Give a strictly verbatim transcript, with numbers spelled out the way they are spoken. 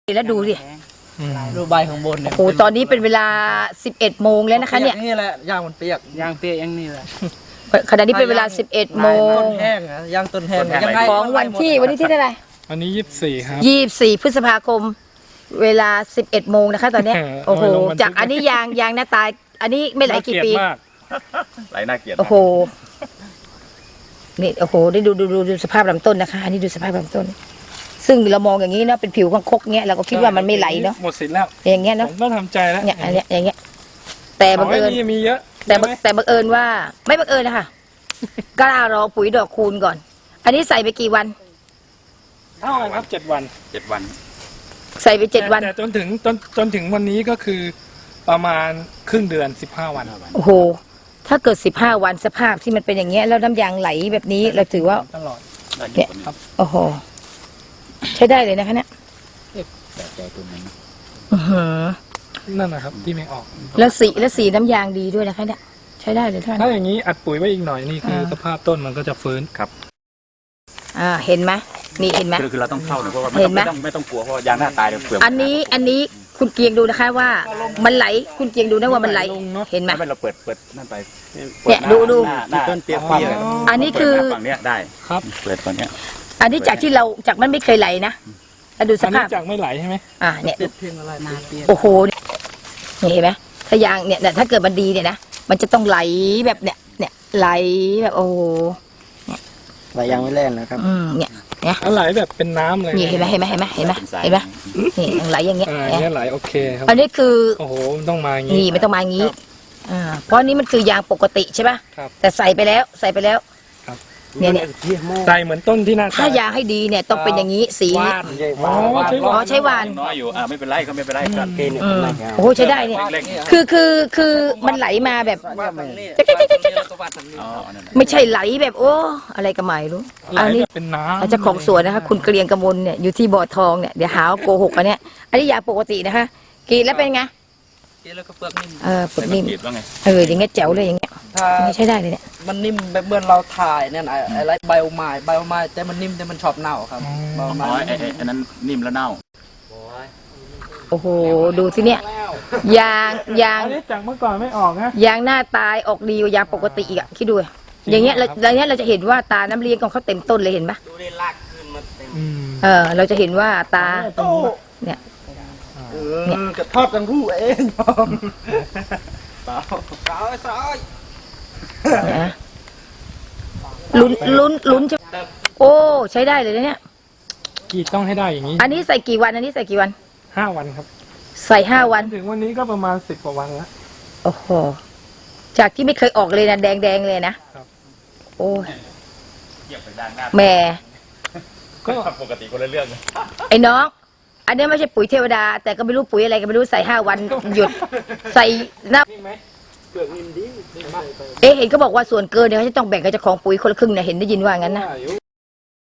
แล้วดูดิดูใบของบนเนี่ยโอ้โหตอนนี้เป็นเวลาสิบเอ็ดโมงแล้วนะคะเนี่ยนี่แหละย่างมันเปียกย่างเปียกอย่างนี้แหละขณะนี้เป็นเวลาสิบเอ็ดโมงต้นแห้งนะย่างต้นแห้งยังไงของวันที่วันนี้ที่เท่าไหร่วันนี้ยี่สิบสี่ครับยี่สิบสี่พฤษภาคมเวลาสิบเอ็ดโมงนะคะตอนนี้โอ้โหจากอันนี้ยางยางหน้าตายอันนี้ไม่ไหลกี่ปีไหลน่าเกลียดโอ้โหนี่โอ้โหได้ดูดูดูดูสภาพลำต้นนะคะอันนี้ดูสภาพลำต้นซึ่งเรามองอย่างนี้เนาะเป็นผิวของคกเงี้ยเราก็คิดว่ามันไม่ไหลเนาะหมดสิทธิ์แล้วอย่างเงี้ยเนาะผมต้องทำใจแล้วเนี่ยอันเนี้ยอย่างเงี้ยแต่บังเอิญมีเยอะแต่แต่บังเอิญว่าไม่บังเอิญนะคะกล้ารอปุ๋ยดอกคูณก่อนอันนี้ใส่ไปกี่วันเท่ากันครับเจ็ดวันเจ็ดวันใส่ไปเจ็ดวันแต่จนถึงจนจนถึงวันนี้ก็คือประมาณครึ่งเดือนสิบห้าวันโอ้โหถ้าเกิดสิบห้าวันสภาพที่มันเป็นอย่างเงี้ยแล้วน้ำยางไหลแบบนี้เราถือว่าตลอดเนี่ยโอ้โหใช้ได้เลยนะคะเนี่ยนั่นนะครับที่ไม่ออกแล้วสีแล้วสีน้ำยางดีด้วยนะคะเนี่ยใช้ได้เลยท่านถ้าอย่างนี้อัดปุ๋ยไว้อีกหน่อยนี่คือสภาพต้นมันก็จะฟื้นครับอ่าเห็นไหมนี่เห็นไหมคือเราต้องเข้าเนี่ยเพราะว่าไม่ต้องไม่ต้องกลัวเพราะยางหน้าตายเดี๋ยวเปลือกอันนี้อันนี้คุณเกียงดูนะคะว่ามันไหลคุณเกียงดูนะว่ามันไหลเห็นไหมไม่เราเปิดเปิดนั่นไปเนี่ยดูดูต้นเปียกเปียกอันนี้คือฝั่งเนี้ยได้ครับเปิดฝั่งเนี้ยอันนี้จากที่เราจากมันไม่เคยไหลนะแล้วดูสภาพจากไม่ไหลใช่ไหมอ่าเนี่ยโอ้โหนี่เห็นไหมถ้ายางเนี่ยถ้าเกิดมันดีเนี่ยนะมันจะต้องไหลแบบเนี่ยเนี่ยไหลแบบโอ้ไหลยางไม่แล่นนะครับอืมเนี่ยเนี่ยไหลแบบเป็นน้ำเลยนี่เห็นไหมเห็นไหมเห็นไหมเห็นไหมเห็นไหมนี่ไหลอย่างเงี้ยเนี่ยไหลโอเคครับอันนี้คือโอ้โหต้องมาอย่างนี้นี่ไม่ต้องมาอย่างนี้อ่าเพราะนี้มันคือยางปกติใช่ป่ะแต่ใส่ไปแล้วใส่ไปแล้วเนี่ยเนี่ยใส่เหมือนต้นที่หน้าถ้ายางให้ดีเนี่ยต้องเป็นอย่างนี้สีอ๋อใช้วานน้อยอยู่อ่าไม่เป็นไรก็ไม่เป็นไรครับโอ้โหใช้ได้เนี่ยคือคือคือมันไหลมาแบบไม่ใช่ไหลแบบโอ้อะไรก็ไม่รู้อันนี้เป็นน้ำอาจจะของสวนนะคะคุณเกรียงกมลเนี่ยอยู่ที่บ่อทองเนี่ยเดี๋ยวหาโกหกอันเนี้ยอันนี้ยาปกตินะคะกินแล้วเป็นไงกินแล้วก็เปลือกนิ่มเออเปลือกนิ่มเอออย่างเงี้ยแจ๋วเลยอย่างเงี้ยไม่ใช่ได้เลยเนี่ยมันนิ่มแบบเมื่อเราถ่ายเนี่ยอะไรใบโอไม้ใบโอไม้แต่มันนิ่มแต่มันชอบเน่าครับอ๋อไอ้ไอ้นั้นนิ่มแล้วเน่าโอ้โหดูที่เนี่ยยางยางจากเมื่อก่อนไม่ออกนะยางหน้าตายออกดีกว่ายางปกติอีกอะคิดดูอย่างเงี้ยเราอย่างเงี้ยเราจะเห็นว่าตาน้ำเลี้ยงของเขาเต็มต้นเลยเห็นปะเออเราจะเห็นว่าตาเนี่ยเนี่ยกระทอดกันรู้เองสาวสาวสาวลุ้นลุ้นลุ้นจะโอ้ใช้ได้เลยเนี่ยกี่ต้องให้ได้อย่างนี้อันนี้ใส่กี่วันอันนี้ใส่กี่วันห้าวันครับใส่ห้าวันถึงวันนี้ก็ประมาณสิบกว่าวันแล้วโอ้โหจากที่ไม่เคยออกเลยนะแดงแดงเลยนะโอ้แม่ก็ปกติคนละเรื่องไอ้น้องอันนี้ไม่ใช่ปุ๋ยเทวดาแต่ก็ไม่รู้ปุ๋ยอะไรก็ไม่รู้ใส่ห้าวันหยุดใส่น้ำเอ๊ะเห็นเขาบอกว่าส่วนเกินเนี่ยเขาจะต้องแบ่งกับเจ้าของปุ๋ยคนละครึ่งเนี่ยเห็นได้ยินว่างั้นนะ